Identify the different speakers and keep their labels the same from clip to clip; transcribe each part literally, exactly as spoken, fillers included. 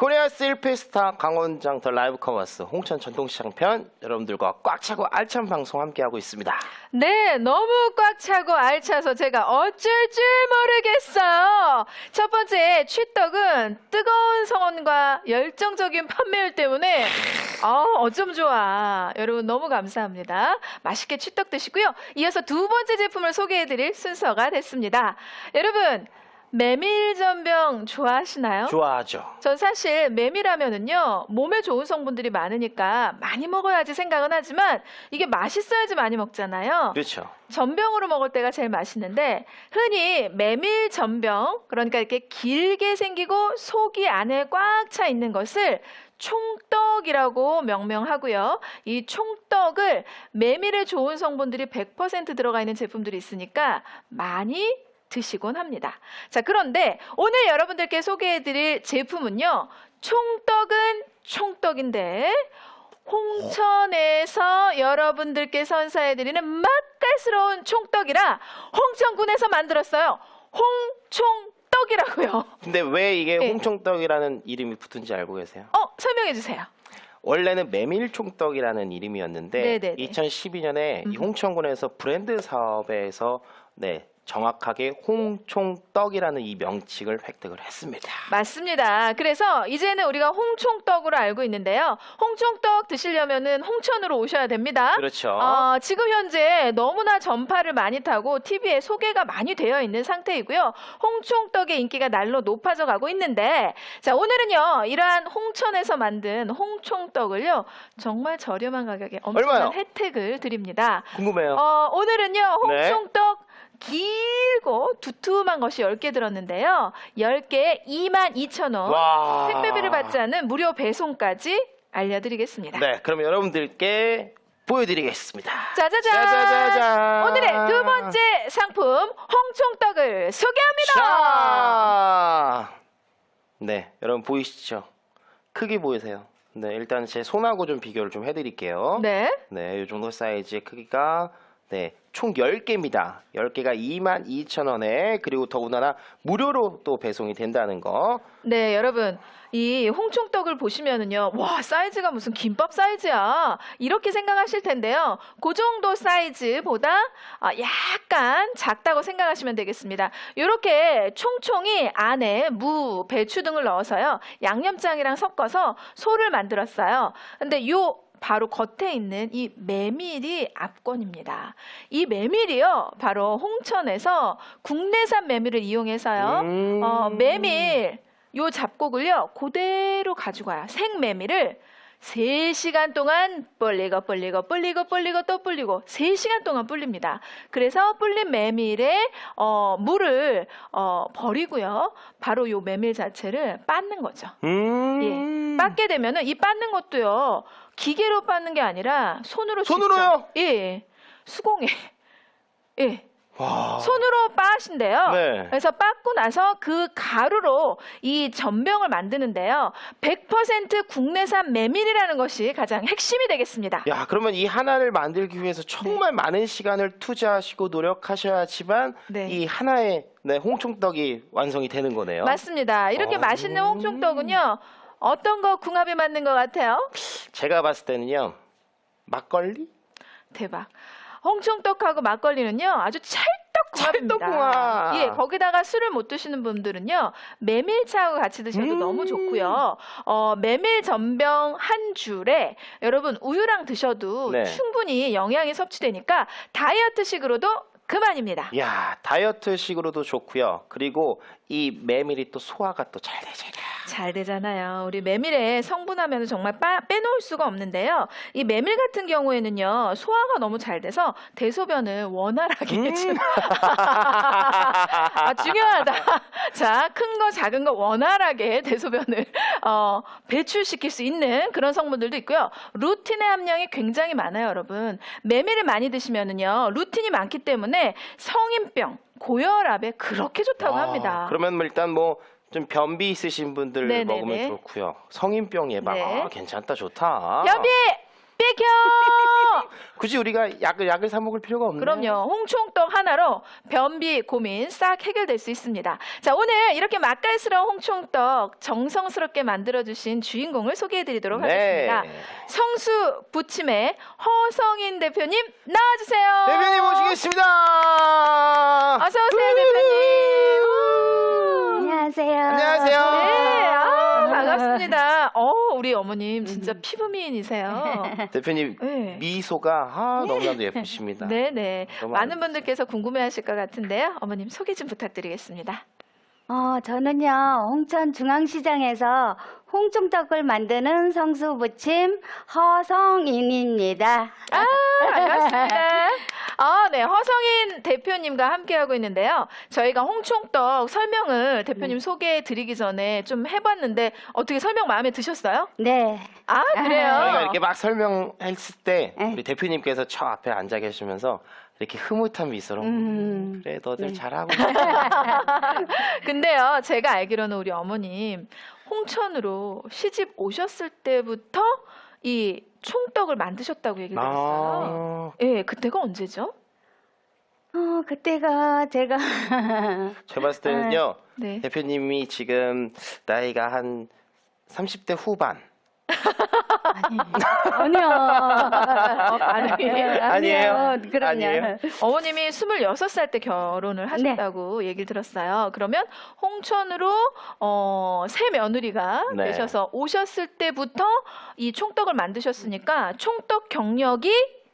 Speaker 1: 코리아 실피스타 강원장 더 라이브 커머스 홍천 전통시장 편 여러분들과 꽉 차고 알찬 방송 함께하고 있습니다.
Speaker 2: 네, 너무 꽉 차고 알차서 제가 어쩔 줄 모르겠어요. 첫 번째, 취떡은 뜨거운 성원과 열정적인 판매율 때문에 아, 어쩜 좋아. 여러분 너무 감사합니다. 맛있게 취떡 드시고요. 이어서 두 번째 제품을 소개해드릴 순서가 됐습니다. 여러분, 메밀전병 좋아하시나요?
Speaker 1: 좋아하죠.
Speaker 2: 전 사실 메밀하면은요 몸에 좋은 성분들이 많으니까 많이 먹어야지 생각은 하지만 이게 맛있어야지 많이 먹잖아요.
Speaker 1: 그렇죠.
Speaker 2: 전병으로 먹을 때가 제일 맛있는데 흔히 메밀전병, 그러니까 이렇게 길게 생기고 속이 안에 꽉 차 있는 것을 총떡이라고 명명하고요. 이 총떡을 메밀에 좋은 성분들이 백 퍼센트 들어가 있는 제품들이 있으니까 많이 드시곤 합니다. 자, 그런데 오늘 여러분들께 소개해드릴 제품은요. 총떡은 총떡인데 홍천에서 여러분들께 선사해드리는 맛깔스러운 총떡이라 홍천군에서 만들었어요. 홍총떡이라고요.
Speaker 1: 근데 왜 이게
Speaker 2: 네.
Speaker 1: 홍총떡이라는 이름이 붙은지 알고 계세요?
Speaker 2: 어, 설명해주세요.
Speaker 1: 원래는 메밀총떡이라는 이름이었는데
Speaker 2: 네네네.
Speaker 1: 이천십이 년에 이 홍천군에서 브랜드 사업에서 네, 정확하게 홍총떡이라는 이 명칭을 획득을 했습니다.
Speaker 2: 맞습니다. 그래서 이제는 우리가 홍총떡으로 알고 있는데요. 홍총떡 드시려면은 홍천으로 오셔야 됩니다.
Speaker 1: 그렇죠.
Speaker 2: 어, 지금 현재 너무나 전파를 많이 타고 티비에 소개가 많이 되어 있는 상태이고요. 홍총떡의 인기가 날로 높아져 가고 있는데, 자, 오늘은요 이러한 홍천에서 만든 홍총떡을요 정말 저렴한 가격에 엄청난
Speaker 1: 얼마요?
Speaker 2: 혜택을 드립니다.
Speaker 1: 궁금해요.
Speaker 2: 어, 오늘은요
Speaker 1: 네.
Speaker 2: 홍총떡 길고 두툼한 것이 열 개 들었는데요. 열 개에 이만 이천 원.
Speaker 1: 와.
Speaker 2: 택배비를 받지 않는 무료 배송까지 알려드리겠습니다.
Speaker 1: 네, 그럼 여러분들께 보여드리겠습니다.
Speaker 2: 짜자잔!
Speaker 1: 짜자자잔!
Speaker 2: 오늘의 두 번째 상품 홍총떡을 소개합니다.
Speaker 1: 자! 네, 여러분 보이시죠? 크기 보이세요? 네, 일단 제 손하고 좀 비교를 좀 해드릴게요.
Speaker 2: 네.
Speaker 1: 네, 이 정도 사이즈의 크기가 네, 총 열 개입니다. 열 개가 이만 이천 원에 그리고 더군다나 무료로 또 배송이 된다는 거.
Speaker 2: 네, 여러분. 이 홍총떡을 보시면은요, 와, 사이즈가 무슨 김밥 사이즈야. 이렇게 생각하실 텐데요. 그 정도 사이즈보다 아, 약간 작다고 생각하시면 되겠습니다. 이렇게 총총이 안에 무, 배추 등을 넣어서요. 양념장이랑 섞어서 소를 만들었어요. 근데 요 바로 겉에 있는 이 메밀이 압권입니다. 이 메밀이요, 바로 홍천에서 국내산 메밀을 이용해서요.
Speaker 1: 음.
Speaker 2: 어, 메밀 요 잡곡을요 그대로 가지고 와요. 생메밀을 세 시간 동안 불리고 불리고 불리고 불리고 또 불리고 세 시간 동안 불립니다. 그래서 불린 메밀에 어, 물을 어, 버리고요. 바로 요 메밀 자체를 빻는 거죠.
Speaker 1: 음.
Speaker 2: 예, 빻게 되면은 이 빻는 것도요 기계로 빻는 게 아니라 손으로
Speaker 1: 손으로요?
Speaker 2: 직접, 예, 수공예. 예.
Speaker 1: 와.
Speaker 2: 손으로 빻으신데요.
Speaker 1: 네.
Speaker 2: 그래서 빻고 나서 그 가루로 이 전병을 만드는데요. 백 퍼센트 국내산 메밀이라는 것이 가장 핵심이 되겠습니다.
Speaker 1: 야, 그러면 이 하나를 만들기 위해서 정말 많은 시간을 투자하시고 노력하셔야지만
Speaker 2: 네.
Speaker 1: 이 하나의 네, 홍총떡이 완성이 되는 거네요.
Speaker 2: 맞습니다. 이렇게
Speaker 1: 어.
Speaker 2: 맛있는 홍총떡은요. 어떤 거 궁합이 맞는 것 같아요?
Speaker 1: 제가 봤을 때는요. 막걸리?
Speaker 2: 대박. 홍총떡하고 막걸리는요 아주 찰떡궁합입니다.
Speaker 1: 찰떡궁합.
Speaker 2: 예, 거기다가 술을 못 드시는 분들은요 메밀차하고 같이 드셔도
Speaker 1: 음.
Speaker 2: 너무 좋고요. 어, 메밀 전병 한 줄에 여러분 우유랑 드셔도
Speaker 1: 네.
Speaker 2: 충분히 영양이 섭취되니까 다이어트식으로도 그만입니다.
Speaker 1: 야, 다이어트식으로도 좋고요. 그리고 이 메밀이 또 소화가 또 잘 되잖아요.
Speaker 2: 잘 되잖아요. 우리 메밀의 성분하면 정말 빠, 빼놓을 수가 없는데요. 이 메밀 같은 경우에는요. 소화가 너무 잘 돼서 대소변을 원활하게
Speaker 1: 음.
Speaker 2: 해주는 아, 중요하다. 자, 큰 거 작은 거 원활하게 대소변을 어, 배출시킬 수 있는 그런 성분들도 있고요. 루틴의 함량이 굉장히 많아요, 여러분. 메밀을 많이 드시면은요. 루틴이 많기 때문에 성인병, 고혈압에 그렇게 좋다고
Speaker 1: 아,
Speaker 2: 합니다.
Speaker 1: 그러면 뭐 일단 뭐 좀 변비 있으신 분들
Speaker 2: 네네네.
Speaker 1: 먹으면 좋고요. 성인병 예방
Speaker 2: 네.
Speaker 1: 아, 괜찮다 좋다.
Speaker 2: 변비 비켜!
Speaker 1: 굳이 우리가 약을 약을 사 먹을 필요가 없네요.
Speaker 2: 그럼요. 홍총떡 하나로 변비 고민 싹 해결될 수 있습니다. 자, 오늘 이렇게 맛깔스러운 홍총떡 정성스럽게 만들어주신 주인공을 소개해드리도록
Speaker 1: 네.
Speaker 2: 하겠습니다. 성수 부침의 허성인 대표님 나와주세요.
Speaker 1: 대표님 모시겠습니다.
Speaker 2: 어서 오세요, 대표님.
Speaker 3: 안녕하세요.
Speaker 1: 안녕하세요.
Speaker 2: 네, 아, 반갑습니다. 어, 우리 어머님 진짜 피부 미인이세요.
Speaker 1: 대표님
Speaker 2: 네.
Speaker 1: 미소가 아, 너무나도 예쁘십니다.
Speaker 2: 네네.
Speaker 1: 너무
Speaker 2: 많은
Speaker 1: 아름다우세요.
Speaker 2: 분들께서 궁금해하실 것 같은데요. 어머님 소개 좀 부탁드리겠습니다.
Speaker 3: 어, 저는요, 홍천 중앙시장에서 홍총떡을 만드는 성수부침 허성인입니다.
Speaker 2: 아, 반갑습니다. 아, 네. 허성인 대표님과 함께하고 있는데요. 저희가 홍총떡 설명을 대표님 소개해 드리기 전에 좀 해봤는데 어떻게 설명 마음에 드셨어요?
Speaker 3: 네.
Speaker 2: 아, 그래요?
Speaker 1: 저희가 이렇게 막 설명했을 때
Speaker 3: 네.
Speaker 1: 우리 대표님께서 저 앞에 앉아 계시면서 이렇게 흐뭇한 미소로
Speaker 3: 음.
Speaker 1: 그래 너들
Speaker 3: 네.
Speaker 1: 잘하고 있어.
Speaker 2: 근데요, 제가 알기로는 우리 어머님 홍천으로 시집 오셨을 때부터 이 총떡을 만드셨다고 얘기를 들었어요.
Speaker 1: 아,
Speaker 2: 예, 그때가 언제죠?
Speaker 3: 어, 그때가 제가
Speaker 1: 제가 봤을 때는요
Speaker 2: 네.
Speaker 1: 대표님이 지금 나이가 한 삼십 대 후반.
Speaker 3: 아니요.
Speaker 2: 아니에요?
Speaker 1: 아니에요?
Speaker 3: 그럼요.
Speaker 1: 아니에요?
Speaker 2: 어머님이 스물여섯 살 때 결혼을 하셨다고 얘기를 들었어요. 그러면 홍천으로 어, 새 며느리가
Speaker 1: 네.
Speaker 2: 되셔서 오셨을 때부터 이 총떡을 만드셨으니까 총떡 경력이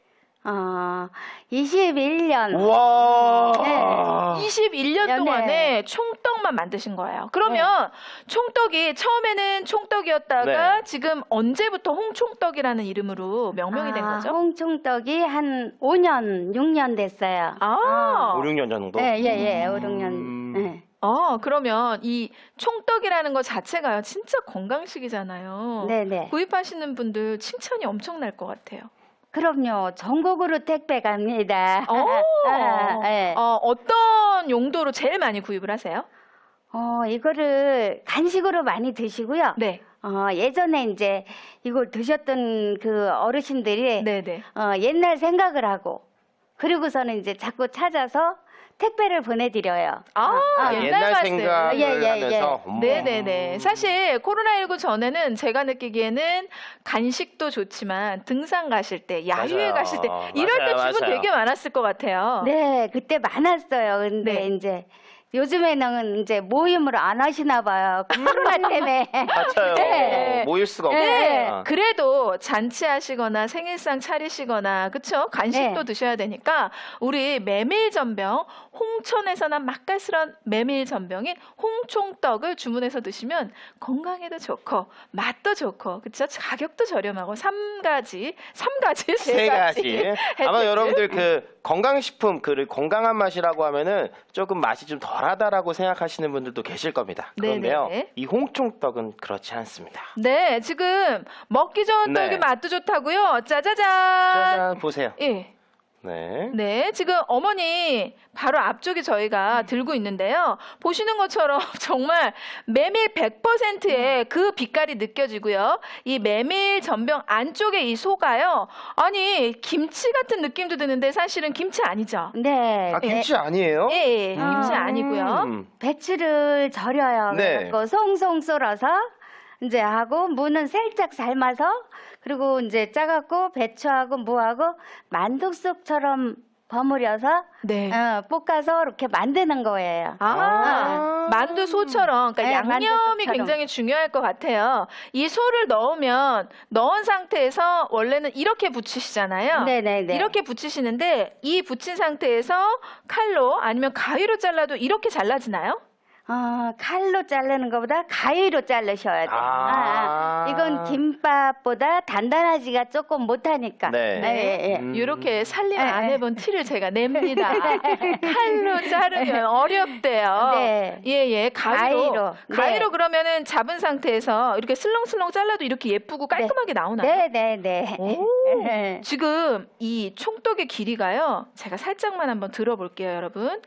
Speaker 3: 어, 이십일 년.
Speaker 1: 우와.
Speaker 3: 네.
Speaker 2: 이십일 년
Speaker 3: 네.
Speaker 2: 동안에 총떡만 만드신 거예요. 그러면 총떡이 처음에는 총떡이었다가
Speaker 1: 네.
Speaker 2: 지금 언제부터 홍총떡이라는 이름으로 명명이 된
Speaker 3: 아,
Speaker 2: 거죠?
Speaker 3: 홍총떡이 한 오 년, 육 년 됐어요.
Speaker 2: 아,
Speaker 1: 오, 육 년 정도?
Speaker 3: 네, 예, 예, 오, 육 년.
Speaker 1: 음.
Speaker 3: 네.
Speaker 2: 어, 그러면 이 총떡이라는 것 자체가요, 진짜 건강식이잖아요.
Speaker 3: 네네.
Speaker 2: 구입하시는 분들 칭찬이 엄청날 것 같아요.
Speaker 3: 그럼요. 전국으로 택배 갑니다.
Speaker 2: 어,
Speaker 3: 아, 네.
Speaker 2: 어, 어떤 용도로 제일 많이 구입을 하세요?
Speaker 3: 어, 이거를 간식으로 많이 드시고요.
Speaker 2: 네.
Speaker 3: 어, 예전에 이제 이걸 드셨던 그 어르신들이
Speaker 2: 네네.
Speaker 3: 어, 옛날 생각을 하고 그리고서는 이제 자꾸 찾아서 택배를 보내드려요.
Speaker 2: 아,
Speaker 3: 아,
Speaker 2: 옛날
Speaker 1: 옛날
Speaker 2: 말씀.
Speaker 1: 생각을
Speaker 3: 예, 예,
Speaker 1: 하면서 음.
Speaker 2: 네네네. 사실 코로나십구 전에는 제가 느끼기에는 간식도 좋지만 등산 가실 때, 야유회
Speaker 1: 맞아요.
Speaker 2: 가실 때 이럴 때
Speaker 1: 맞아요,
Speaker 2: 주문
Speaker 1: 맞아요.
Speaker 2: 되게 많았을 것 같아요.
Speaker 3: 네, 그때 많았어요. 근데
Speaker 2: 네.
Speaker 3: 이제 요즘에는 이제 모임을 안 하시나 봐요. 코로나 때문에.
Speaker 1: 맞아요.
Speaker 2: 네.
Speaker 1: 모일 수가 없어요.
Speaker 2: 네,
Speaker 1: 아.
Speaker 2: 그래도 잔치하시거나 생일상 차리시거나 그쵸? 간식도
Speaker 3: 네.
Speaker 2: 드셔야 되니까 우리 메밀전병 홍천에서 난 맛깔스러운 메밀전병인 홍총떡을 주문해서 드시면 건강에도 좋고 맛도 좋고 그쵸? 가격도 저렴하고 삼 가지, 삼 가지,
Speaker 1: 세 가지. 아마
Speaker 2: 혜택을.
Speaker 1: 여러분들 그 건강식품 그 건강한 맛이라고 하면은 조금 맛이 좀 덜하다라고 생각하시는 분들도 계실 겁니다. 그런데요,
Speaker 2: 네네.
Speaker 1: 이 홍총떡은 그렇지 않습니다.
Speaker 2: 네, 지금 먹기 좋은
Speaker 1: 네.
Speaker 2: 떡이 맛도 좋다고요. 짜자잔.
Speaker 1: 짜잔 보세요.
Speaker 2: 예.
Speaker 1: 네.
Speaker 2: 네, 지금 어머니 바로 앞쪽에 저희가 들고 있는데요. 보시는 것처럼 정말 메밀 백 퍼센트의 그 빛깔이 느껴지고요. 이 메밀 전병 안쪽에 이 소가요. 아니, 김치 같은 느낌도 드는데 사실은 김치 아니죠?
Speaker 3: 네.
Speaker 1: 아 김치 아니에요?
Speaker 2: 예, 예, 김치
Speaker 3: 아,
Speaker 2: 아니고요.
Speaker 1: 음.
Speaker 3: 배추를 절여요.
Speaker 1: 네.
Speaker 3: 그래갖고 송송 썰어서 이제 하고 무는 살짝 삶아서 그리고 이제 짜갖고 배추하고 무하고 만두국처럼 버무려서
Speaker 2: 네.
Speaker 3: 어, 볶아서 이렇게 만드는 거예요.
Speaker 2: 아,
Speaker 1: 아.
Speaker 2: 만두 소처럼, 그러니까
Speaker 3: 네,
Speaker 2: 양념이
Speaker 3: 만두소처럼.
Speaker 2: 굉장히 중요할 것 같아요. 이 소를 넣으면, 넣은 상태에서 원래는 이렇게 부치시잖아요.
Speaker 3: 네네네.
Speaker 2: 이렇게 부치시는데, 이 부친 상태에서 칼로 아니면 가위로 잘라도 이렇게 잘라지나요?
Speaker 3: 어, 칼로 자르는 것보다 가위로 자르셔야 돼요.
Speaker 1: 아.
Speaker 3: 아, 아. 이건 김밥보다 단단하지가 조금 못하니까.
Speaker 1: 네.
Speaker 3: 예, 예.
Speaker 1: 음.
Speaker 2: 이렇게 살림
Speaker 3: 네,
Speaker 2: 안
Speaker 3: 네.
Speaker 2: 해본 티를 제가 냅니다. 칼로 자르면 어렵대요.
Speaker 3: 네.
Speaker 2: 예, 예. 가위로.
Speaker 3: 가위로.
Speaker 2: 가위로
Speaker 3: 네.
Speaker 2: 그러면은 잡은 상태에서 이렇게 슬렁슬렁 잘라도 이렇게 예쁘고 깔끔하게 나오나요?
Speaker 3: 네, 네, 네.
Speaker 2: 오.
Speaker 3: 네.
Speaker 2: 지금 이 총떡의 길이가요. 제가 살짝만 한번 들어볼게요, 여러분.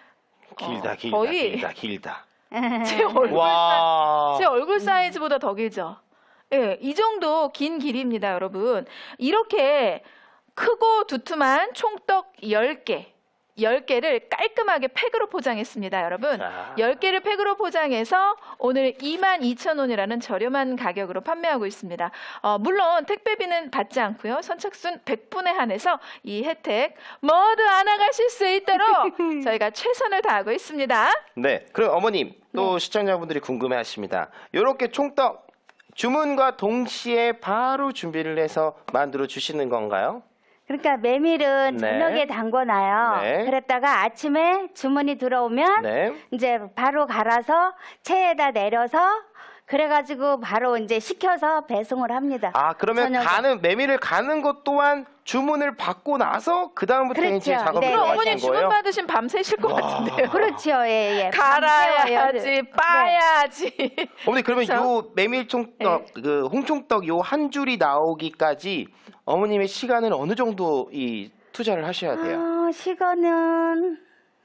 Speaker 1: 길다,
Speaker 2: 어,
Speaker 1: 길다,
Speaker 2: 거의
Speaker 1: 길다, 길다.
Speaker 2: 제 얼굴,
Speaker 1: 와.
Speaker 2: 제 얼굴 사이즈보다 더 길죠? 예, 이 정도 긴 길이입니다, 여러분. 이렇게 크고 두툼한 총떡 열 개, 열 개를 깔끔하게 팩으로 포장했습니다, 여러분.
Speaker 1: 아.
Speaker 2: 열 개를 팩으로 포장해서 오늘 이만 이천 원이라는 저렴한 가격으로 판매하고 있습니다. 어, 물론 택배비는 받지 않고요. 선착순 백 분에 한해서 이 혜택 모두 안아가실 수 있도록 저희가 최선을 다하고 있습니다.
Speaker 1: 네, 그럼 어머님 또 시청자분들이 궁금해하십니다. 이렇게 총떡 주문과 동시에 바로 준비를 해서 만들어 주시는 건가요?
Speaker 3: 그러니까 메밀은
Speaker 1: 네.
Speaker 3: 저녁에 담궈놔요.
Speaker 1: 네.
Speaker 3: 그랬다가 아침에 주문이 들어오면
Speaker 1: 네.
Speaker 3: 이제 바로 갈아서 체에다 내려서 그래가지고 바로 이제 식혀서 배송을 합니다.
Speaker 1: 아, 그러면
Speaker 3: 저녁에.
Speaker 1: 가는 메밀을 가는 것 또한 주문을 받고 나서 그 다음부터
Speaker 3: 그렇죠.
Speaker 1: 이제 작업을
Speaker 3: 네,
Speaker 2: 그럼
Speaker 3: 네,
Speaker 2: 어머님
Speaker 1: 하시는
Speaker 2: 주문
Speaker 1: 거예요?
Speaker 2: 받으신 밤 새실 것
Speaker 1: 와.
Speaker 2: 같은데요.
Speaker 3: 그렇죠, 예, 예.
Speaker 2: 갈아야지, 빠야지.
Speaker 1: 어머니 그러면
Speaker 2: 그렇죠?
Speaker 1: 요 메밀 총떡, 그 홍총떡 요 한 줄이 나오기까지 어머님의 시간은 어느 정도 이 투자를 하셔야 돼요?
Speaker 3: 아, 시간은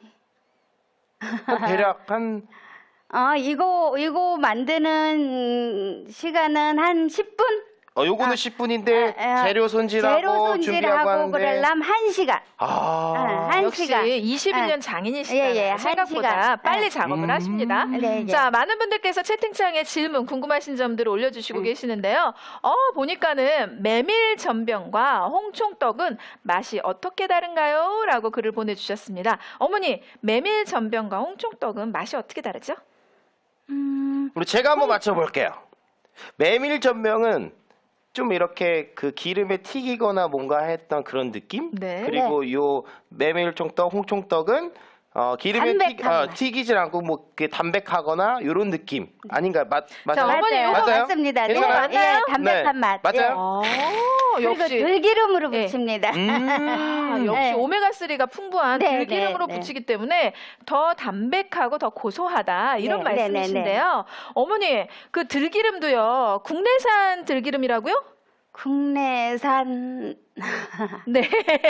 Speaker 1: 한 대략 한
Speaker 3: 아 이거 이거 만드는 시간은 한 십 분?
Speaker 1: 어, 요거는
Speaker 3: 아,
Speaker 1: 십 분인데
Speaker 3: 아, 아,
Speaker 1: 재료 손질하고
Speaker 3: 재료
Speaker 1: 준비하고
Speaker 3: 손질하고
Speaker 1: 하는데
Speaker 3: 그러려면 한 시간.
Speaker 1: 아,
Speaker 3: 한
Speaker 2: 역시
Speaker 3: 시간.
Speaker 2: 이십일 년
Speaker 3: 예,
Speaker 2: 장인이시잖아요.
Speaker 3: 예, 한
Speaker 2: 생각보다
Speaker 3: 시간.
Speaker 2: 빨리
Speaker 3: 예.
Speaker 2: 작업을
Speaker 1: 음.
Speaker 2: 하십니다.
Speaker 3: 네, 네.
Speaker 2: 자, 많은 분들께서 채팅창에 질문, 궁금하신 점들을 올려주시고
Speaker 3: 음.
Speaker 2: 계시는데요. 어, 보니까는 메밀 전병과 홍총떡은 맛이 어떻게 다른가요? 라고 글을 보내주셨습니다. 어머니, 메밀 전병과 홍총떡은 맛이 어떻게 다르죠?
Speaker 3: 음,
Speaker 1: 우리 제가 한번 맞춰볼게요. 메밀 전병은 좀 이렇게 그 기름에 튀기거나 뭔가 했던 그런 느낌?
Speaker 2: 네.
Speaker 1: 그리고 요 메밀 총떡, 홍총떡은 어, 기름에 튀,
Speaker 3: 담백한
Speaker 1: 어,
Speaker 3: 맛.
Speaker 1: 튀기질 않고 뭐 그 담백하거나 요런 느낌 아닌가요? 맞 맞아요?
Speaker 2: 자, 어머니,
Speaker 3: 맞아요.
Speaker 2: 요거
Speaker 3: 맞습니다. 네,
Speaker 1: 괜찮아요?
Speaker 2: 맞나요?
Speaker 3: 예, 담백한
Speaker 1: 네,
Speaker 3: 맛.
Speaker 1: 맞아요?
Speaker 2: 어,
Speaker 3: 그리고
Speaker 2: 역시.
Speaker 3: 들기름으로
Speaker 2: 네.
Speaker 3: 부칩니다.
Speaker 1: 음.
Speaker 2: 아, 역시
Speaker 3: 네.
Speaker 2: 오메가삼가 풍부한
Speaker 3: 네,
Speaker 2: 들기름으로
Speaker 3: 네, 네.
Speaker 2: 부치기 때문에 더 담백하고 더 고소하다 이런
Speaker 3: 네, 네,
Speaker 2: 말씀이신데요. 어머니 그 들기름도요 국내산 들기름이라고요?
Speaker 3: 국내산
Speaker 2: 네.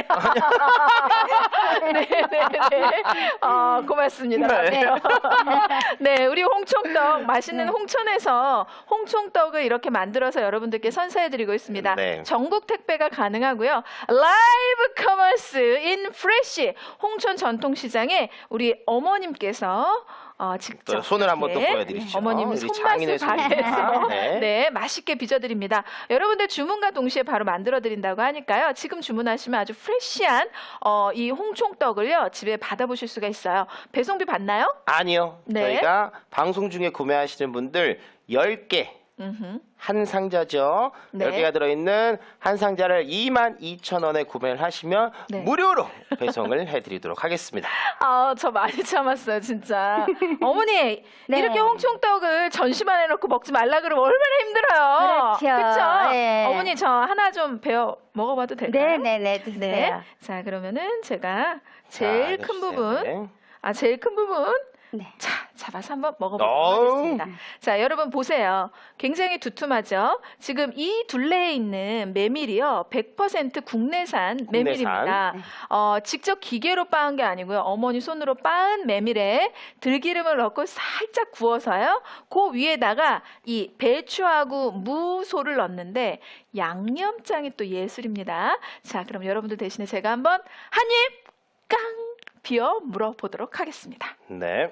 Speaker 2: 네, 네, 네. 어, 고맙습니다.
Speaker 1: 네.
Speaker 2: 네. 네, 우리 홍총떡 맛있는
Speaker 3: 네.
Speaker 2: 홍천에서 홍총떡을 이렇게 만들어서 여러분들께 선사해드리고 있습니다.
Speaker 1: 네.
Speaker 2: 전국 택배가 가능하고요. 라이브 커머스 인 프레쉬 홍천 전통시장에 우리 어머님께서 어, 직접
Speaker 1: 또 손을 한번 또
Speaker 2: 이렇게
Speaker 1: 보여드리시죠.
Speaker 2: 어머님
Speaker 1: 우리
Speaker 2: 손맛을
Speaker 1: 장인의 손.
Speaker 2: 발휘해서
Speaker 1: 네.
Speaker 2: 네, 맛있게 빚어드립니다. 여러분들 주문과 동시에 바로 만들어드린다고 하니까요. 지금 주문하시면 아주 프레쉬한 어, 이 홍총떡을요 집에 받아보실 수가 있어요. 배송비 받나요?
Speaker 1: 아니요.
Speaker 2: 네.
Speaker 1: 저희가 방송 중에 구매하시는 분들 열 개
Speaker 2: 음흠.
Speaker 1: 한 상자죠.
Speaker 2: 네.
Speaker 1: 열 개가 들어있는 한 상자를 이만 이천 원에 구매를 하시면
Speaker 2: 네.
Speaker 1: 무료로 배송을 해드리도록 하겠습니다.
Speaker 2: 아, 저 많이 참았어요, 진짜. 어머니,
Speaker 3: 네.
Speaker 2: 이렇게 홍총떡을 전시만 해놓고 먹지 말라 그러면 얼마나 힘들어요.
Speaker 3: 그렇죠.
Speaker 2: 그쵸?
Speaker 3: 네.
Speaker 2: 어머니, 저 하나 좀 배워 먹어봐도 될까요?
Speaker 3: 네네네 드세요.
Speaker 2: 네. 자, 그러면은 제가 제일
Speaker 1: 자,
Speaker 2: 큰
Speaker 1: 해주세요.
Speaker 2: 부분,
Speaker 1: 네.
Speaker 2: 아, 제일 큰 부분,
Speaker 3: 네.
Speaker 2: 자, 잡아서 한번 먹어보도록
Speaker 1: 어우.
Speaker 2: 하겠습니다. 자, 여러분 보세요. 굉장히 두툼하죠? 지금 이 둘레에 있는 메밀이요. 백 퍼센트 국내산 메밀입니다.
Speaker 3: 네.
Speaker 2: 어, 직접 기계로 빻은 게 아니고요. 어머니 손으로 빻은 메밀에 들기름을 넣고 살짝 구워서요. 그 위에다가 이 배추하고 무소를 넣는데 양념장이 또 예술입니다. 자, 그럼 여러분들 대신에 제가 한번 한 입 깡! 비어 물어보도록 하겠습니다.
Speaker 1: 네.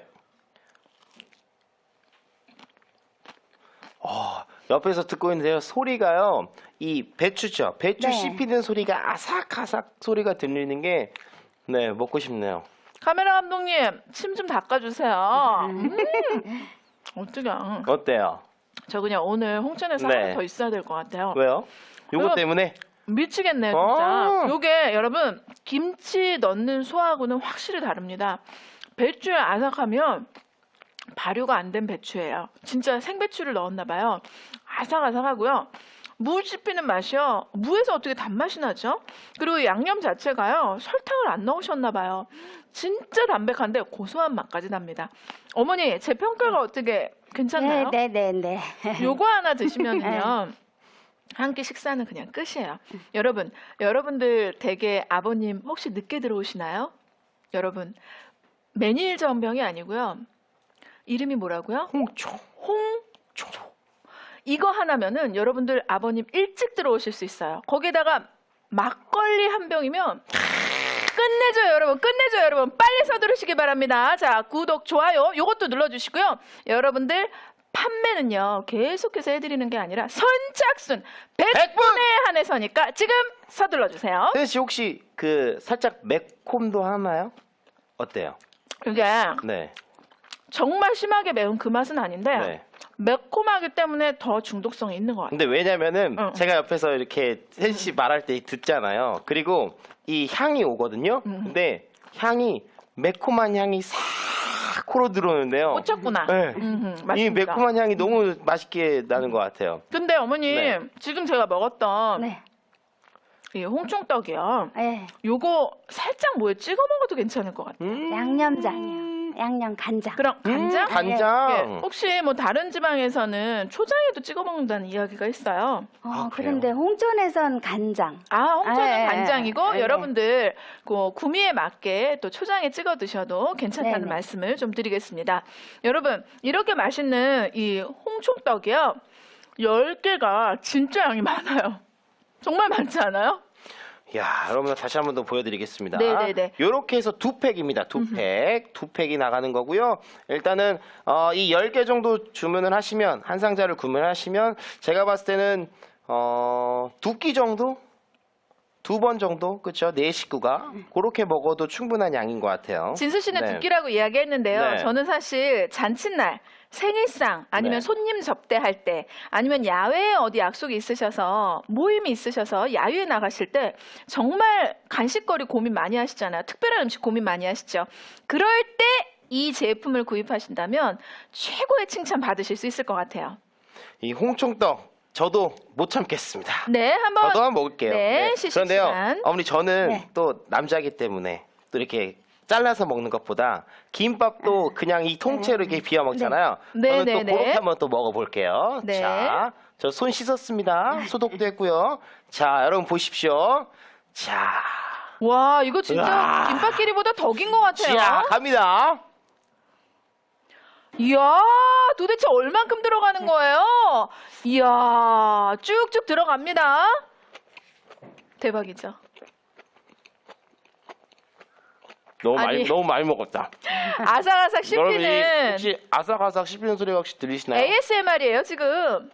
Speaker 1: 어, 옆에서 듣고 있는데요. 소리가요. 이 배추죠. 배추
Speaker 3: 네.
Speaker 1: 씹히는 소리가 아삭아삭 소리가 들리는 게 네, 먹고 싶네요.
Speaker 2: 카메라 감독님, 침 좀 닦아주세요. 음, 어떡해.
Speaker 1: 어때요?
Speaker 2: 저 그냥 오늘 홍천에서
Speaker 1: 네.
Speaker 2: 하나 더 있어야 될 것 같아요.
Speaker 1: 왜요? 요거
Speaker 2: 그럼-
Speaker 1: 때문에?
Speaker 2: 미치겠네요,
Speaker 1: 어.
Speaker 2: 진짜. 요게 여러분, 김치 넣는 소하고는 확실히 다릅니다. 배추에 아삭하면 발효가 안 된 배추예요. 진짜 생배추를 넣었나 봐요. 아삭아삭하고요. 무 씹히는 맛이요. 무에서 어떻게 단맛이 나죠? 그리고 양념 자체가요. 설탕을 안 넣으셨나 봐요. 진짜 담백한데 고소한 맛까지 납니다. 어머니, 제 평가가 어떻게 괜찮나요?
Speaker 3: 네네네.
Speaker 2: 요거 하나 드시면요. 한 끼 식사는 그냥 끝이에요. 여러분, 여러분들 댁에 아버님 혹시 늦게 들어오시나요? 여러분, 메밀 전병이 아니고요. 이름이 뭐라고요?
Speaker 1: 홍초.
Speaker 2: 홍초. 이거 하나면은 여러분들 아버님 일찍 들어오실 수 있어요. 거기다가 막걸리 한 병이면 끝내줘요, 여러분. 끝내줘요, 여러분. 빨리 서두르시기 바랍니다. 자, 구독, 좋아요 요것도 눌러주시고요. 여러분들 판매는요 계속해서 해드리는 게 아니라 선착순 백 분에 한해서니까 지금 서둘러주세요.
Speaker 1: 혜진 씨 혹시 그 살짝 매콤도 하나요? 어때요?
Speaker 2: 이게
Speaker 1: 네.
Speaker 2: 정말 심하게 매운 그 맛은 아닌데
Speaker 1: 네.
Speaker 2: 매콤하기 때문에 더 중독성이 있는 것 같아요.
Speaker 1: 근데 왜냐면은
Speaker 2: 응.
Speaker 1: 제가 옆에서 이렇게 혜진 씨 말할 때 듣잖아요. 그리고 이 향이 오거든요.
Speaker 2: 음.
Speaker 1: 근데 향이 매콤한 향이 싹 코로 들어오는데요.
Speaker 2: 꽂혔구나.
Speaker 1: 네.
Speaker 2: 음흠,
Speaker 1: 이
Speaker 2: 맞습니다.
Speaker 1: 매콤한 향이 너무 맛있게 나는 것 같아요.
Speaker 2: 근데 어머님
Speaker 1: 네.
Speaker 2: 지금 제가 먹었던
Speaker 3: 네.
Speaker 2: 이 홍총떡이요.
Speaker 3: 네.
Speaker 2: 요거 살짝 뭐에 찍어 먹어도 괜찮을 것 같아요.
Speaker 1: 음.
Speaker 3: 양념장이요. 양념 간장.
Speaker 2: 그럼 간장?
Speaker 1: 음, 간장.
Speaker 2: 예, 혹시 뭐 다른 지방에서는 초장에도 찍어 먹는다는 이야기가 있어요.
Speaker 3: 어,
Speaker 1: 아, 그래요?
Speaker 3: 그런데 홍천에선 간장.
Speaker 2: 아, 홍천은
Speaker 3: 아, 예,
Speaker 2: 간장이고
Speaker 3: 예, 예.
Speaker 2: 여러분들 그 구미에 맞게 또 초장에 찍어 드셔도 괜찮다는
Speaker 3: 네네.
Speaker 2: 말씀을 좀 드리겠습니다. 여러분, 이렇게 맛있는 이 홍총떡이요. 열 개가 진짜 양이 많아요. 정말 많지 않아요?
Speaker 1: 야, 여러분 다시 한 번 더 보여드리겠습니다.
Speaker 2: 네네네.
Speaker 1: 이렇게 해서 두 팩입니다. 두 팩, 두 팩이 나가는 거고요. 일단은 어, 이 열 개 정도 주문을 하시면 한 상자를 구매하시면 제가 봤을 때는 어, 두 끼 정도, 두 번 정도, 그렇죠? 네 식구가 그렇게 먹어도 충분한 양인 것 같아요.
Speaker 2: 진수 씨는
Speaker 1: 네.
Speaker 2: 두 끼라고 이야기했는데요.
Speaker 1: 네.
Speaker 2: 저는 사실 잔칫날, 생일상 아니면
Speaker 1: 네.
Speaker 2: 손님 접대할 때 아니면 야외에 어디 약속이 있으셔서 모임이 있으셔서 야유에 나가실 때 정말 간식거리 고민 많이 하시잖아요. 특별한 음식 고민 많이 하시죠. 그럴 때 이 제품을 구입하신다면 최고의 칭찬 받으실 수 있을 것 같아요.
Speaker 1: 이 홍총떡 저도 못 참겠습니다.
Speaker 2: 네, 한번
Speaker 1: 저도 한번 먹을게요.
Speaker 2: 네, 시식
Speaker 1: 그런데요,
Speaker 2: 시간.
Speaker 1: 어머니 저는
Speaker 3: 네.
Speaker 1: 또 남자이기 때문에 또 이렇게 잘라서 먹는 것보다 김밥도 그냥 이 통째로 이렇게 비워 먹잖아요.
Speaker 2: 네.
Speaker 1: 저는
Speaker 2: 네,
Speaker 1: 또
Speaker 2: 네,
Speaker 1: 그렇게
Speaker 2: 네.
Speaker 1: 한번 또 먹어볼게요.
Speaker 2: 네.
Speaker 1: 자, 저 손 씻었습니다. 소독도 했고요. 자, 여러분 보십시오. 자,
Speaker 2: 와, 이거 진짜
Speaker 1: 으아.
Speaker 2: 김밥끼리보다 더 긴 것 같아요.
Speaker 1: 자, 갑니다.
Speaker 2: 이야, 도대체 얼만큼 들어가는 거예요? 이야, 쭉쭉 들어갑니다. 대박이죠.
Speaker 1: 너무 많이
Speaker 2: 아니.
Speaker 1: 너무 많이 먹었다.
Speaker 2: 아삭아삭
Speaker 1: 여러분 이
Speaker 2: 씹히는
Speaker 1: 혹시 아삭아삭 씹히는 소리가 혹시 들리시나요?
Speaker 2: 에이에스엠알이에요, 지금.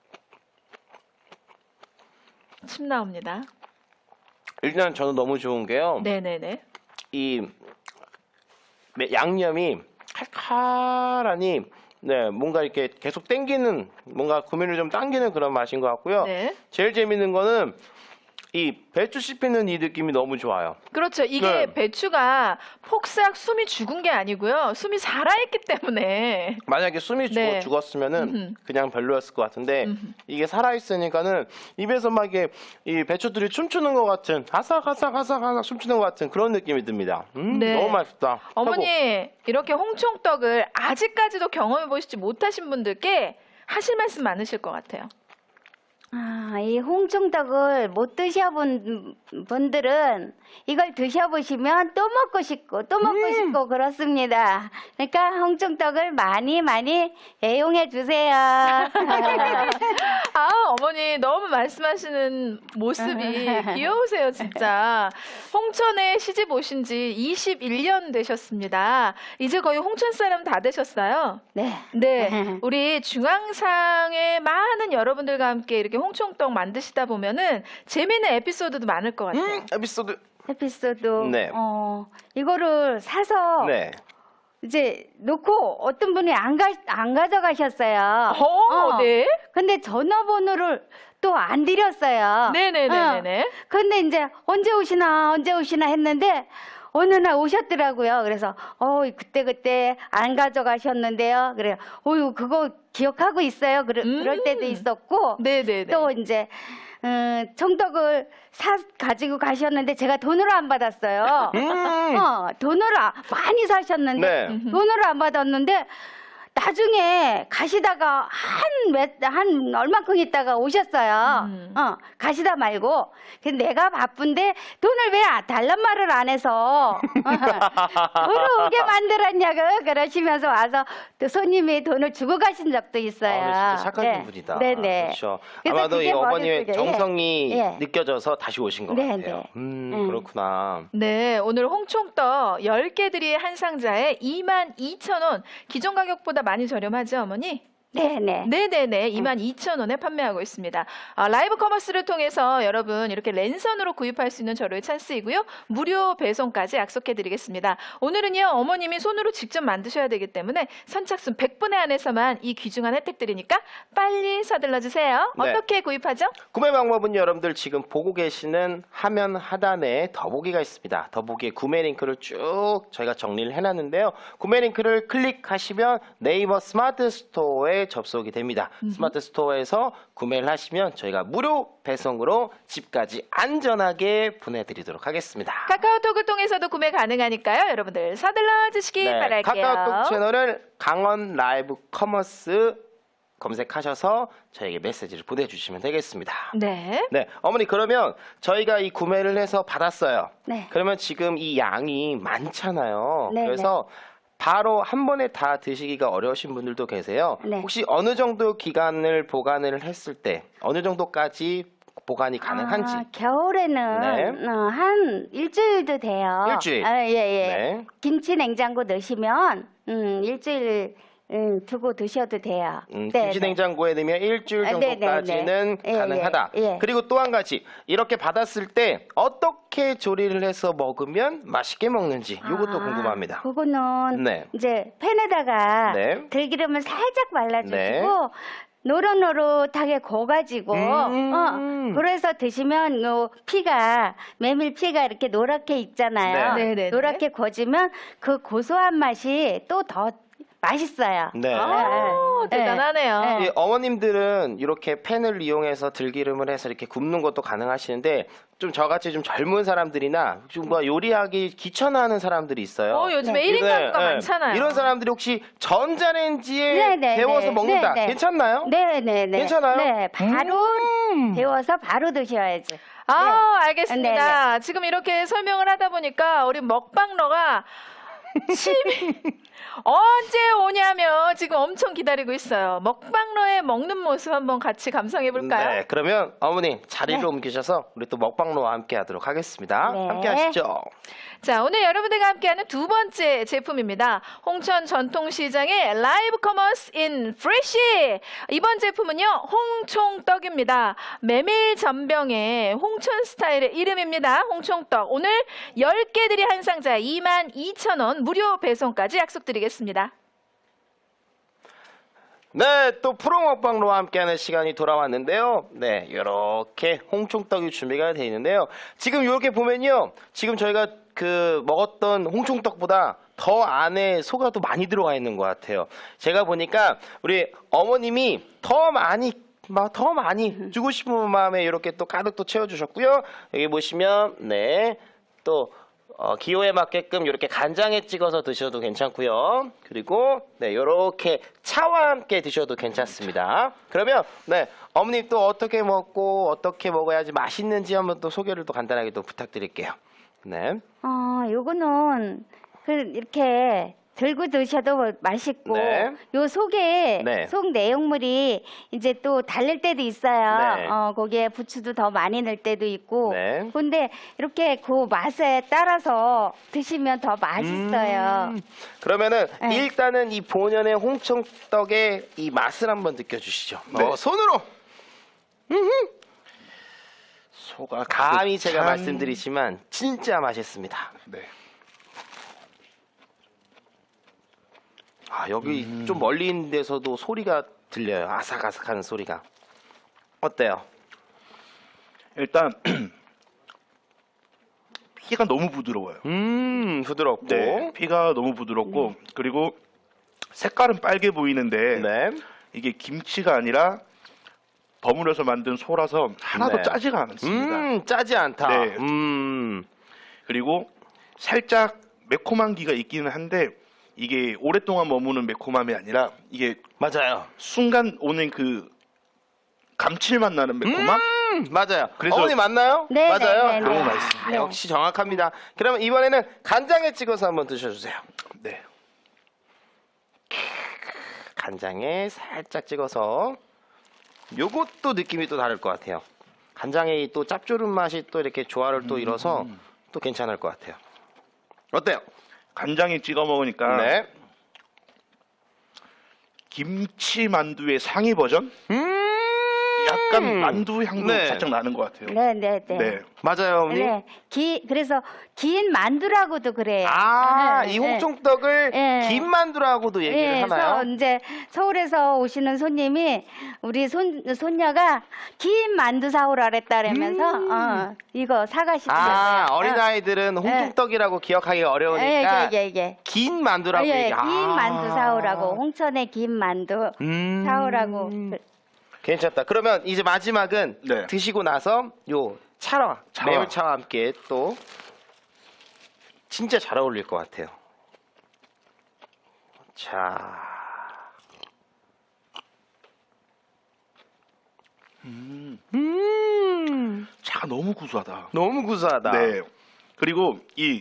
Speaker 2: 침 나옵니다.
Speaker 1: 일단 저는 너무 좋은 게요.
Speaker 2: 네네네.
Speaker 1: 이 매- 양념이 칼칼하니 네 뭔가 이렇게 계속 땡기는 뭔가 구미를 좀 당기는 그런 맛인 것 같고요.
Speaker 2: 네.
Speaker 1: 제일 재밌는 거는 이 배추 씹히는 이 느낌이 너무 좋아요.
Speaker 2: 그렇죠. 이게
Speaker 1: 네.
Speaker 2: 배추가 폭삭 숨이 죽은 게 아니고요. 숨이 살아있기 때문에.
Speaker 1: 만약에 숨이 죽어,
Speaker 2: 네.
Speaker 1: 죽었으면은
Speaker 2: 음흠.
Speaker 1: 그냥 별로였을 것 같은데
Speaker 2: 음흠.
Speaker 1: 이게 살아있으니까는 입에서 막 이게 이 배추들이 춤추는 것 같은 아삭아삭아삭아삭 춤추는 것 같은 그런 느낌이 듭니다. 음,
Speaker 2: 네.
Speaker 1: 너무 맛있다.
Speaker 2: 어머니,
Speaker 1: 최고.
Speaker 2: 이렇게 홍총떡을 아직까지도 경험해 보시지 못하신 분들께 하실 말씀 많으실 것 같아요.
Speaker 3: 아, 이 홍총떡을 못 드셔본 분들은 이걸 드셔보시면 또 먹고 싶고 또 먹고
Speaker 1: 음.
Speaker 3: 싶고 그렇습니다. 그러니까 홍총떡을 많이 많이 애용해 주세요.
Speaker 2: 아, 어머니 너무 말씀하시는 모습이 귀여우세요, 진짜. 홍천에 시집 오신 지 이십일 년 되셨습니다. 이제 거의 홍천 사람 다 되셨어요.
Speaker 3: 네.
Speaker 2: 네, 우리 중앙상의 많은 여러분들과 함께 이렇게 홍총떡 만드시다 보면은 재미있는 에피소드도 많을 것 같아요.
Speaker 1: 음, 에피소드.
Speaker 3: 에피소드.
Speaker 1: 네.
Speaker 3: 어, 이거를 사서
Speaker 1: 네.
Speaker 3: 이제 놓고 어떤 분이 안, 가, 안 가져가셨어요.
Speaker 2: 어,
Speaker 3: 어.
Speaker 2: 네.
Speaker 3: 근데 전화번호를 또 안 드렸어요.
Speaker 2: 네네네네.
Speaker 3: 어. 근데 이제 언제 오시나 언제 오시나 했는데 어느 날 오셨더라고요. 그래서 어 그때 그때 안 가져가셨는데요. 그래요. 어유 그거 기억하고 있어요. 그러,
Speaker 2: 음.
Speaker 3: 그럴 때도 있었고
Speaker 2: 네네네.
Speaker 3: 또 이제 음, 청떡을 사 가지고 가셨는데 제가 돈으로 안 받았어요.
Speaker 1: 음.
Speaker 3: 어 돈으로 아- 많이 사셨는데
Speaker 1: 네.
Speaker 3: 돈으로 안 받았는데 나중에 가시다가 한, 몇, 한 얼마큼 있다가 오셨어요.
Speaker 2: 음.
Speaker 3: 어, 가시다 말고. 근데 내가 바쁜데 돈을 왜 달란 말을 안 해서 돈을 오게 만들었냐고 그러시면서 와서 또 손님이 돈을 주고 가신 적도 있어요.
Speaker 1: 아, 진짜 착하신
Speaker 3: 네.
Speaker 1: 분이다.
Speaker 3: 네네.
Speaker 1: 그렇죠.
Speaker 3: 그래서
Speaker 1: 아마도 이
Speaker 3: 그게
Speaker 1: 어머님의
Speaker 3: 머릿속에,
Speaker 1: 정성이
Speaker 3: 예. 예.
Speaker 1: 느껴져서 다시 오신 것
Speaker 3: 네,
Speaker 1: 같아요.
Speaker 3: 네.
Speaker 1: 음,
Speaker 3: 음.
Speaker 1: 그렇구나.
Speaker 2: 네, 오늘 홍총떡 열 개들이 한 상자에 이만 이천 원. 기존 가격보다 많이 저렴하죠, 어머니?
Speaker 3: 네네.
Speaker 2: 네네네, 이만 이천 원에 판매하고 있습니다. 아, 라이브 커머스를 통해서 여러분 이렇게 랜선으로 구입할 수 있는 절호의 찬스이고요. 무료 배송까지 약속해드리겠습니다. 오늘은요, 어머님이 손으로 직접 만드셔야 되기 때문에 선착순 백 분에 한해서만 이 귀중한 혜택 드리니까 빨리 서둘러 주세요.
Speaker 1: 네.
Speaker 2: 어떻게 구입하죠?
Speaker 1: 구매 방법은 여러분들 지금 보고 계시는 화면 하단에 더보기가 있습니다. 더보기에 구매 링크를 쭉 저희가 정리를 해놨는데요. 구매 링크를 클릭하시면 네이버 스마트 스토어에 접속이 됩니다. 스마트 스토어에서 구매를 하시면 저희가 무료 배송으로 집까지 안전하게 보내드리도록 하겠습니다.
Speaker 2: 카카오톡을 통해서도 구매 가능하니까요. 여러분들 서둘러 주시기
Speaker 1: 네,
Speaker 2: 바랄게요.
Speaker 1: 카카오톡 채널을 강원 라이브 커머스 검색하셔서 저에게 메시지를 보내주시면 되겠습니다.
Speaker 2: 네.
Speaker 1: 네, 어머니 그러면 저희가 이 구매를 해서 받았어요.
Speaker 3: 네.
Speaker 1: 그러면 지금 이 양이 많잖아요.
Speaker 3: 네,
Speaker 1: 그래서 바로 한 번에 다 드시기가 어려우신 분들도 계세요.
Speaker 3: 네.
Speaker 1: 혹시 어느 정도 기간을 보관을 했을 때 어느 정도까지 보관이 가능한지?
Speaker 3: 아, 겨울에는
Speaker 1: 네.
Speaker 3: 어, 한 일주일도 돼요.
Speaker 1: 일주일?
Speaker 3: 아, 예, 예.
Speaker 1: 네.
Speaker 3: 김치 냉장고 넣으시면 음, 일주일 음, 두고 드셔도 돼요.
Speaker 1: 음,
Speaker 3: 네,
Speaker 1: 김치
Speaker 3: 네.
Speaker 1: 냉장고에 넣으면 일주일
Speaker 3: 아, 네, 네,
Speaker 1: 정도까지는
Speaker 3: 네. 예,
Speaker 1: 가능하다.
Speaker 3: 예, 예.
Speaker 1: 그리고 또 한 가지 이렇게 받았을 때 어떻게 조리를 해서 먹으면 맛있게 먹는지 이것도
Speaker 3: 아,
Speaker 1: 궁금합니다.
Speaker 3: 그거는
Speaker 1: 네.
Speaker 3: 이제 팬에다가
Speaker 1: 네.
Speaker 3: 들기름을 살짝 발라주시고
Speaker 1: 네.
Speaker 3: 노릇노릇하게 고가지고
Speaker 1: 음.
Speaker 3: 어, 그래서 드시면 요 피가 메밀 피가 이렇게 노랗게 있잖아요.
Speaker 2: 네. 네네네.
Speaker 3: 노랗게 고지면 그 고소한 맛이 또 더 맛있어요.
Speaker 1: 네.
Speaker 2: 아,
Speaker 3: 네.
Speaker 2: 대단하네요.
Speaker 3: 네.
Speaker 1: 이 어머님들은 이렇게 팬을 이용해서 들기름을 해서 이렇게 굽는 것도 가능하시는데 좀 저같이 좀 젊은 사람들이나 좀 뭐 요리하기 귀찮아하는 사람들이 있어요.
Speaker 2: 어, 요즘에
Speaker 3: 네.
Speaker 2: 일 인 가구가
Speaker 1: 네, 네.
Speaker 2: 많잖아요.
Speaker 1: 이런 사람들이 혹시 전자레인지에
Speaker 3: 네, 네,
Speaker 1: 데워서
Speaker 3: 네.
Speaker 1: 먹는다.
Speaker 3: 네, 네.
Speaker 1: 괜찮나요?
Speaker 3: 네네네.
Speaker 1: 괜찮아요?
Speaker 3: 네, 바로
Speaker 1: 음.
Speaker 3: 데워서 바로 드셔야죠.
Speaker 2: 아,
Speaker 3: 네.
Speaker 2: 알겠습니다. 지금 이렇게 설명을 하다 보니까 우리 먹방러가 침이 언제 오냐며 지금 엄청 기다리고 있어요. 먹방러의 먹는 모습 한번 같이 감상해 볼까요?
Speaker 1: 네, 그러면 어머니 자리를
Speaker 3: 네.
Speaker 1: 옮기셔서 우리 또 먹방로와 함께 하도록 하겠습니다.
Speaker 3: 네.
Speaker 1: 함께 하시죠.
Speaker 2: 자, 오늘 여러분들과 함께하는 두 번째 제품입니다. 홍천 전통시장의 라이브 커머스 인 프레쉬. 이번 제품은요, 홍총떡입니다. 메밀 전병의 홍천 스타일의 이름입니다. 홍총떡. 오늘 열 개들이 한 상자에 이만 이천 원 무료 배송까지 약속드리겠습니다.
Speaker 1: 네, 또 프로 먹방로와 함께하는 시간이 돌아왔는데요. 네, 이렇게 홍총떡이 준비가 되어 있는데요. 지금 이렇게 보면요, 지금 저희가 그 먹었던 홍총떡보다 더 안에 소가 더 많이 들어가 있는 것 같아요. 제가 보니까 우리 어머님이 더 많이 막 더 많이 주고 싶은 마음에 이렇게 또 가득 또 채워주셨고요. 여기 보시면 네, 또 어, 기호에 맞게끔 이렇게 간장에 찍어서 드셔도 괜찮고요. 그리고 네, 이렇게 차와 함께 드셔도 괜찮습니다. 그러면 네, 어머님 또 어떻게 먹고 어떻게 먹어야지 맛있는지 한번 또 소개를 또 간단하게 또 부탁드릴게요. 네.
Speaker 3: 어, 요거는 그 이렇게 들고 드셔도 맛있고
Speaker 1: 네.
Speaker 3: 요 속에
Speaker 1: 네.
Speaker 3: 속 내용물이 이제 또 다를 때도 있어요.
Speaker 1: 네.
Speaker 3: 어, 거기에 부추도 더 많이 넣을 때도 있고.
Speaker 1: 네.
Speaker 3: 근데 이렇게 그 맛에 따라서 드시면 더 맛있어요.
Speaker 1: 음, 그러면은
Speaker 3: 네.
Speaker 1: 일단은 이 본연의 홍총떡의 이 맛을 한번 느껴주시죠.
Speaker 4: 네.
Speaker 1: 어, 손으로. 음흠. 소가 감히 제가
Speaker 4: 참-
Speaker 1: 말씀드리지만 진짜 맛있습니다.
Speaker 4: 네.
Speaker 1: 아, 여기
Speaker 4: 음.
Speaker 1: 좀 멀리 있는 데서도 소리가 들려요. 아삭아삭하는 소리가. 어때요?
Speaker 4: 일단 피가 너무 부드러워요.
Speaker 1: 음, 부드럽고.
Speaker 4: 네, 피가 너무 부드럽고 그리고 색깔은 빨개 보이는데
Speaker 1: 네.
Speaker 4: 이게 김치가 아니라 버무려서 만든 소라서 하나도
Speaker 1: 네.
Speaker 4: 짜지가 않습니다.
Speaker 1: 음, 짜지 않다.
Speaker 4: 네.
Speaker 1: 음.
Speaker 4: 그리고 살짝 매콤한 기가 있기는 한데 이게 오랫동안 머무는 매콤함이 아니라 이게
Speaker 1: 맞아요.
Speaker 4: 순간 오는 그 감칠맛 나는 매콤함?
Speaker 1: 음, 맞아요.
Speaker 4: 그래서-
Speaker 1: 어머니 맞나요?
Speaker 3: 네,
Speaker 1: 맞아요.
Speaker 3: 네, 네,
Speaker 4: 너무
Speaker 3: 네.
Speaker 4: 맛있습니다.
Speaker 1: 아,
Speaker 3: 네.
Speaker 1: 역시 정확합니다. 그러면 이번에는 간장에 찍어서 한번 드셔주세요.
Speaker 4: 네.
Speaker 1: 간장에 살짝 찍어서 요것도 느낌이 또 다를 것 같아요. 간장의 또 짭조름 맛이 또 이렇게 조화를 또 이뤄서 또 괜찮을 것 같아요. 어때요?
Speaker 4: 간장에 찍어 먹으니까
Speaker 1: 네.
Speaker 4: 김치 만두의 상위 버전?
Speaker 1: 음.
Speaker 4: 약간 만두 향도
Speaker 1: 네.
Speaker 4: 살짝 나는 것 같아요.
Speaker 3: 네, 네, 네.
Speaker 4: 네.
Speaker 1: 맞아요, 어머니.
Speaker 3: 네. 기, 그래서 긴 만두라고도 그래요.
Speaker 1: 아,
Speaker 3: 네,
Speaker 1: 이
Speaker 3: 네.
Speaker 1: 홍총떡을
Speaker 3: 네.
Speaker 1: 긴 만두라고도 얘기를
Speaker 3: 예,
Speaker 1: 하나요?
Speaker 3: 그래서 이제 서울에서 오시는 손님이 우리 손, 손녀가 긴 만두 사오라 그랬다면서
Speaker 1: 음.
Speaker 3: 어, 이거 사가시더라고요.
Speaker 1: 아,
Speaker 3: 어.
Speaker 1: 어린아이들은 홍총떡이라고 기억하기가 어려우니까
Speaker 3: 예, 예, 예, 예.
Speaker 1: 긴 만두라고
Speaker 3: 예, 긴
Speaker 1: 얘기. 아.
Speaker 3: 만두 사오라고 홍천의 긴 만두
Speaker 1: 음.
Speaker 3: 사오라고.
Speaker 1: 괜찮다. 그러면 이제 마지막은
Speaker 4: 네.
Speaker 1: 드시고 나서 요 차와,
Speaker 4: 차와.
Speaker 1: 매울차와 함께 또 진짜 잘 어울릴 것 같아요. 자,
Speaker 4: 음,
Speaker 1: 음,
Speaker 4: 차가 너무 구수하다.
Speaker 1: 너무 구수하다.
Speaker 4: 네. 그리고 이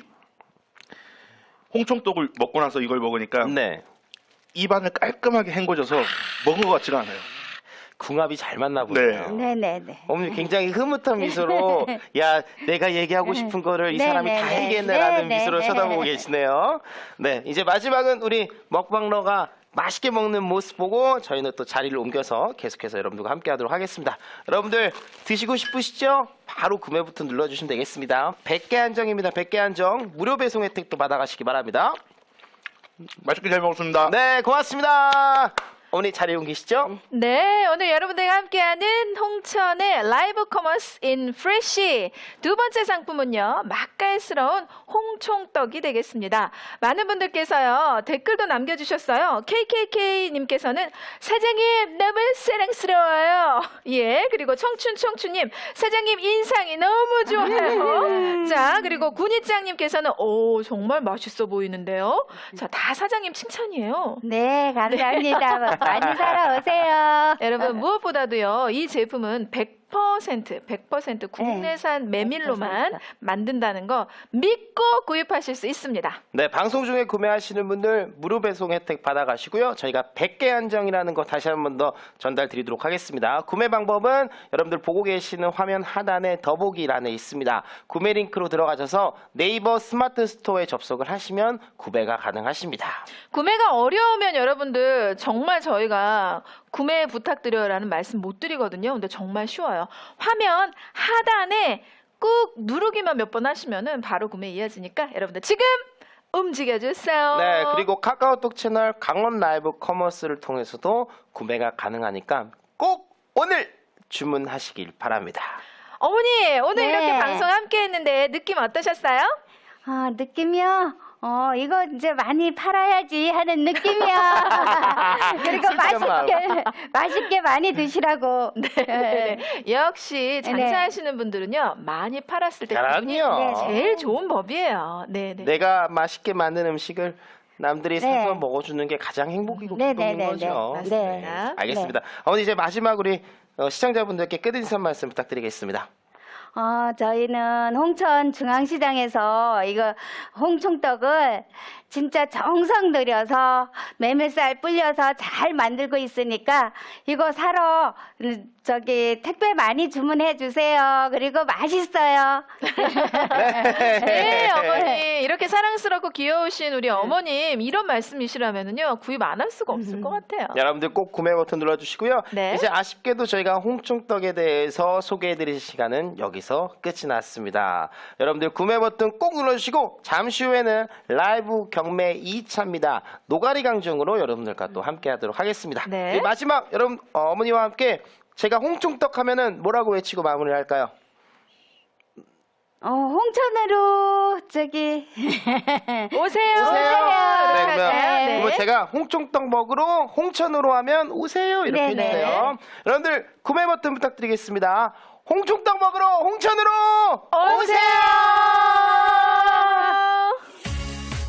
Speaker 4: 홍총떡을 먹고 나서 이걸 먹으니까
Speaker 1: 네.
Speaker 4: 입안을 깔끔하게 헹궈져서 먹은 것 같지가 않아요.
Speaker 1: 궁합이 잘 맞나 보네요.
Speaker 3: 네, 네, 네.
Speaker 1: 어머니 굉장히 흐뭇한 미소로 야 내가 얘기하고 싶은 거를 이
Speaker 3: 네,
Speaker 1: 사람이
Speaker 3: 네,
Speaker 1: 다
Speaker 3: 네.
Speaker 1: 얘기했네라는
Speaker 3: 네,
Speaker 1: 미소를
Speaker 3: 네.
Speaker 1: 쳐다보고 계시네요. 네, 이제 마지막은 우리 먹방러가 맛있게 먹는 모습 보고 저희는 또 자리를 옮겨서 계속해서 여러분들과 함께하도록 하겠습니다. 여러분들 드시고 싶으시죠? 바로 구매 버튼 눌러주시면 되겠습니다. 백 개 한정입니다. 백 개 한정 무료 배송 혜택도 받아가시기 바랍니다.
Speaker 4: 맛있게 잘 먹었습니다.
Speaker 1: 네, 고맙습니다. 어머니 자리 옮기시죠?
Speaker 2: 네, 오늘 여러분들과 함께하는 홍천의 라이브 커머스 인 프레쉬 두 번째 상품은요, 맛깔스러운 홍총떡이 되겠습니다. 많은 분들께서요 댓글도 남겨주셨어요. 케이케이케이님께서는 사장님 너무 사랑스러워요. 예, 그리고 청춘청춘님 사장님 인상이 너무 좋아요. 자, 그리고 군이짱님께서는 오 정말 맛있어 보이는데요. 자, 다 사장님 칭찬이에요.
Speaker 3: 네, 감사합니다. 많이 사러 오세요.
Speaker 2: 여러분 무엇보다도요 이 제품은 백 퍼센트 백 퍼센트 국내산 메밀로만
Speaker 3: 백 퍼센트.
Speaker 2: 만든다는 거 믿고 구입하실 수 있습니다.
Speaker 1: 네, 방송 중에 구매하시는 분들 무료 배송 혜택 받아가시고요. 저희가 백 개 한정이라는 거 다시 한 번 더 전달 드리도록 하겠습니다. 구매 방법은 여러분들 보고 계시는 화면 하단에 더보기란에 있습니다. 구매 링크로 들어가셔서 네이버 스마트 스토어에 접속을 하시면 구매가 가능하십니다.
Speaker 2: 구매가 어려우면 여러분들 정말 저희가 구매 부탁드려요라는 말씀 못 드리거든요. 근데 정말 쉬워요. 화면 하단에 꾹 누르기만 몇 번 하시면은 바로 구매 이어지니까 여러분들 지금 움직여주세요.
Speaker 1: 네, 그리고 카카오톡 채널 강원 라이브 커머스를 통해서도 구매가 가능하니까 꼭 오늘 주문하시길 바랍니다.
Speaker 2: 어머니 오늘
Speaker 3: 네.
Speaker 2: 이렇게 방송 함께 했는데 느낌 어떠셨어요?
Speaker 3: 아, 느낌이요? 어, 이거 이제 많이 팔아야지 하는 느낌이야. 그리고
Speaker 1: 솔직한
Speaker 3: 맛있게, 맛있게 많이 드시라고.
Speaker 2: 네. 역시
Speaker 3: 네.
Speaker 2: 장사하시는 분들은요 많이 팔았을 때 기분이
Speaker 1: 그럼요.
Speaker 2: 제일 좋은 법이에요. 네, 네.
Speaker 1: 내가 맛있게 만든 음식을 남들이
Speaker 3: 네.
Speaker 1: 사서 먹어주는 게 가장 행복이고
Speaker 3: 네,
Speaker 1: 기쁨인
Speaker 3: 네, 네,
Speaker 1: 거죠.
Speaker 3: 네.
Speaker 2: 네.
Speaker 1: 알겠습니다. 어머니 이제 마지막 우리 어, 시청자분들께 끝인사 말씀 부탁드리겠습니다.
Speaker 3: 어, 저희는 홍천 중앙시장에서 이거 홍총떡을 진짜 정성 들여서 메밀쌀 불려서 잘 만들고 있으니까 이거 사러 음, 저기 택배 많이 주문해 주세요. 그리고 맛있어요.
Speaker 2: 네, 어머니 이렇게 사랑스럽고 귀여우신 우리 어머님 이런 말씀이시라면은요 구입 안 할 수가 없을 것 같아요.
Speaker 1: 여러분들 꼭 구매 버튼 눌러주시고요.
Speaker 2: 네.
Speaker 1: 이제 아쉽게도 저희가 홍총떡에 대해서 소개해드릴 시간은 여기서 끝이 났습니다. 여러분들 구매 버튼 꼭 눌러주시고 잠시 후에는 라이브 경매 이 차입니다. 노가리 강정으로 여러분들과 또 함께하도록 하겠습니다.
Speaker 2: 네.
Speaker 1: 네, 마지막 여러분 어, 어머니와 함께 제가 홍총떡 하면은 뭐라고 외치고 마무리할까요?
Speaker 3: 어, 홍천으로 저기
Speaker 2: 오세요.
Speaker 1: 오세요.
Speaker 2: 이렇게
Speaker 1: 네,
Speaker 2: 하죠.
Speaker 1: 그러면,
Speaker 2: 네.
Speaker 1: 그러면 제가 홍총떡 먹으러 홍천으로 하면 오세요 이렇게
Speaker 3: 네, 네.
Speaker 1: 해주세요. 여러분들 구매 버튼 부탁드리겠습니다. 홍총떡 먹으러 홍천으로
Speaker 2: 오세요.